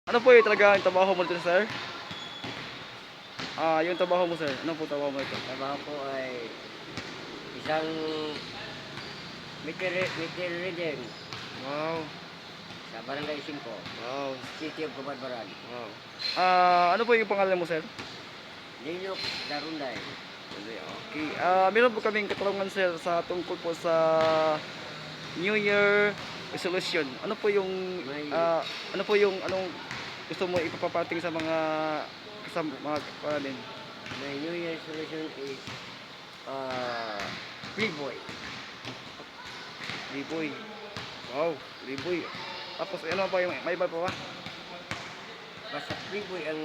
Ano po yung talaga yung trabaho mo dito, sir? Yung trabaho mo, sir. Ano po trabaho mo ito? Trabaho ko ay isang meter reading Wow. sa Barangay 5, Wow. City of Camarbaran. Wow. Ano po yung pangalan mo, sir? Ninok Darunday. Okay. Meron po kaming katanungan, sir, sa tungkol po sa New Year resolution. Ano po yung anong gusto mo ipapapating sa mga natin? My New Year resolution is Playboy. Liboy. Wow, liboy. Tapos ano pa yung may iba pa ba? Basta Playboy ang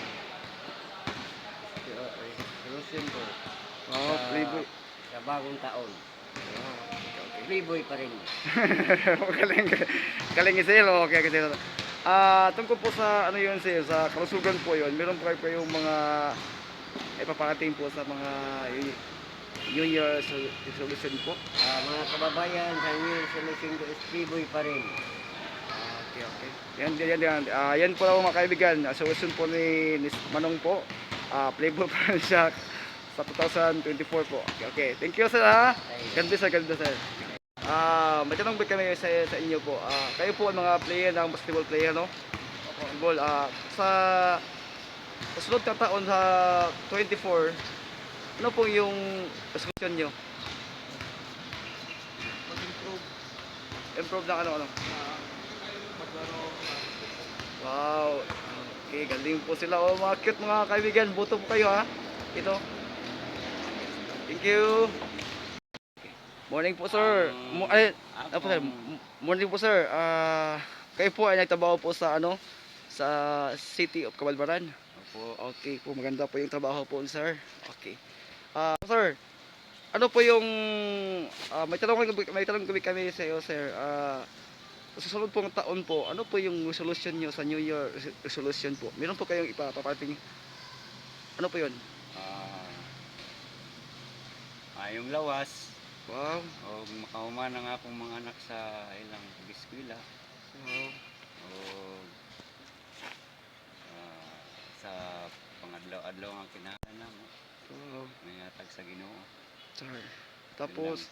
resolution ko Wow, liboy. sa bagong taon. Wow, okay. Playboy pa rin. Galing, galing sir. Okay, kasi tungkol po sa ano yun sir, sa kalusugan po yun, meron po kayo yung mga ipaparating po sa mga New Year resolution po. Mga kababayan, sa New Year resolution ko is Playboy pa rin. Okay, okay. Yan po lang mga kaibigan. Resolution po ni Manong po. Playboy pa rin siya sa 2024 po. Okay, okay. Thank you sir ha. Ganda sir. May tanong ba kami sa inyo po? Kayo po ang mga player ng basketball player, no? Basketball. Sa sunod na taon sa 24, ano po yung resolution nyo? Mag-improve. Improve na ano? Maglaro. Wow. Okay, galing po sila. Oh, mga cute mga kaibigan. Boto po kayo ha. Ito. Thank you. Morning po sir. Ano po sir? Morning po sir. Kayo po ay nagtrabaho po sa ano? Sa City of Camarbaran. Opo. Okay po, maganda po yung trabaho po sir. Okay. Sir, ano po yung may tanong kami sa iyo sir. Sa susunod pong taon po, ano po yung resolution nyo sa New Year resolution po? Meron po kayong ipaparating? Ano po yun? Yung lawas. Wow. O makahuman ng akong mga anak sa ilang eskwela. Wow. O sa pangadlaw-adlaw ang kinahanglan mo. Wow. May atag sa Ginoo. Sir. Tapos,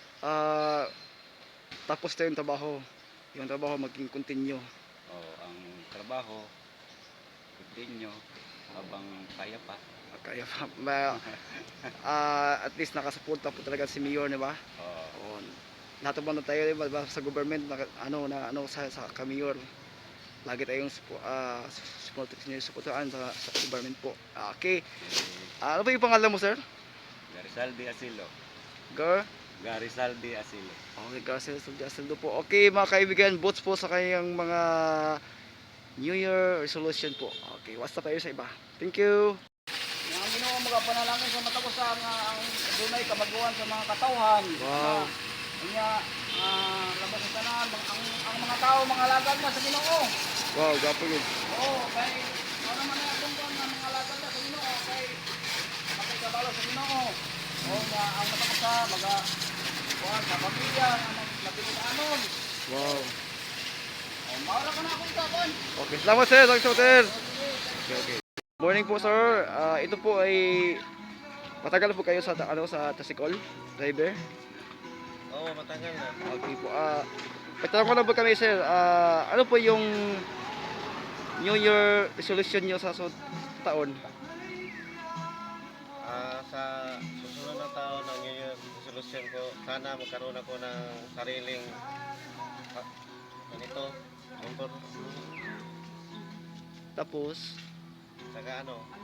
tapos na yung trabaho. Yung trabaho maging continue. O ang trabaho continue habang kaya pa. Kaya at least nakasuporta po talaga si Mayor, di ba? Oo. Lahat naman na tayo, di ba, sa government na sa Mayor. Lagi tayong supportan sa government po. Okay. Ano ba yung pangalan mo, sir? Garizaldi Asilo. Garizaldi Asilo. Okay, Garizaldi po. Okay, mga kaibigan, votes po sa kanyang mga New Year resolution po. Okay, basta tayo sa iba. Thank you. Ang Ginoo mga panalangin sa matagos ang dunay kamaguan sa mga katawhan. Wow. Kanya labas sa tanan ang mga tao mga alagad na sa Ginoo. Wow, gapo yun. Oo, kay ano man na kung mga alagad na sa Ginoo kay makikabalo sa Ginoo. Oo nga ang matagos kuan sa pamilya ang napilianon. Wow. Maura ka na akong kapon. Okay, salamat sir. Okay. Morning po sir. Ito po ay matagal po kayo sa tricycle driver. Oo, matagal na. Okay po. Pagtanong ko lang po kami sir, ano po yung New Year resolution nyo sa taon? Sa susunod na taon ng New Year resolution ko, sana magkaroon ako ng sariling motor. Tapos, Saka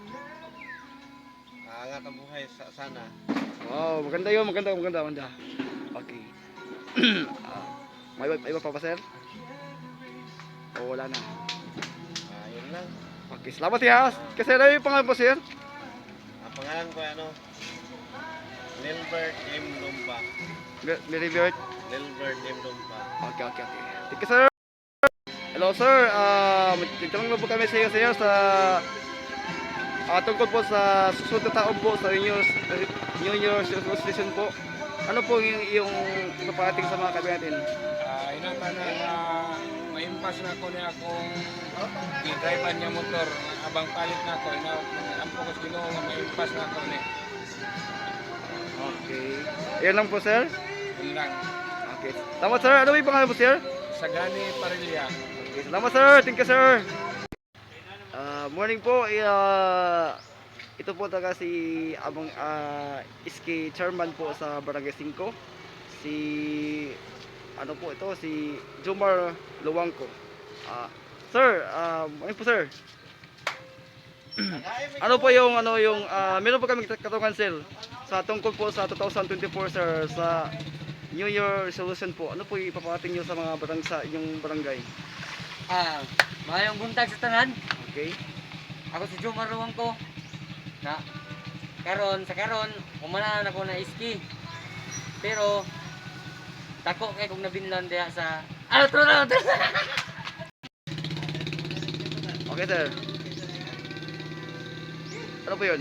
aangat ang buhay sana. wow, maganda yun, maganda. Okay. May iba pa ba sir? O wala na. Yun lang. Okay, salamat ya. Kasi ano yung pangalan po sir? Ang pangalan ko Lilbert M. Lumba. Meribert. Lilbert M. Lumba. Okay. Thank you sir. Hello sir, magtatanong lang po kami sa iyo sir sa tungkol po sa susunod na taon po sa New Year resolution po. Ano po yung ipaparating sa mga kaibigan natin? Inatan na impas na ko niya akong i-drive niya motor. Abang palit na ko, ampo ko Ginoo nga maimpas na ko ni. Okay. Yan lang po, sir. Yun lang. Okay. Salamat, sir. Ano yung pangalan mo, sir? Sagani Parilya. Okay, salamat, sir. Thank you, sir. Morning po. Ito po talaga si Abang Iski Chairman po sa Barangay 5. Si ano po ito, si Jomar Luwangko. Sir, morning po, sir. Ano po yung meron po kami katanungan, sir, sa tungkol po sa 2024, sir, sa New Year resolution po. Ano po ipapating niyo sa mga sa inyong barangay? Mayong buntag sa tanan. Okay? Ako si Jomar Luwangko. Na karon umanan ako na iski. Pero tako kay kung nabinlan diha sa outro na. Okay, sir. Ano po yun?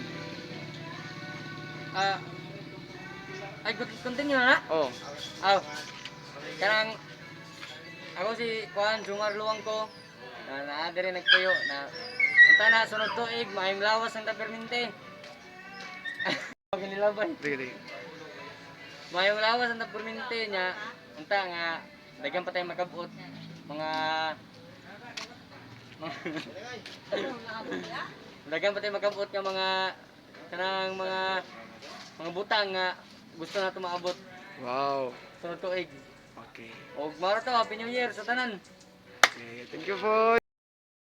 Ay continue na. Oh, Karang ako si Juan Jomar Luwangko na naa diri nagpuyo na unta na sunod tuig maayong lawas ang tapermente. Paginilaban. really. Maayong lawas ang tapermente nya unta nga daghan pa tayo makabot mga daghan pa tayo makabot nga mga kanang mga butang nga gusto nato maabot Wow. sunod tuig. Okay. Og maro to Happy New Year sa tanan. Okay, thank you po.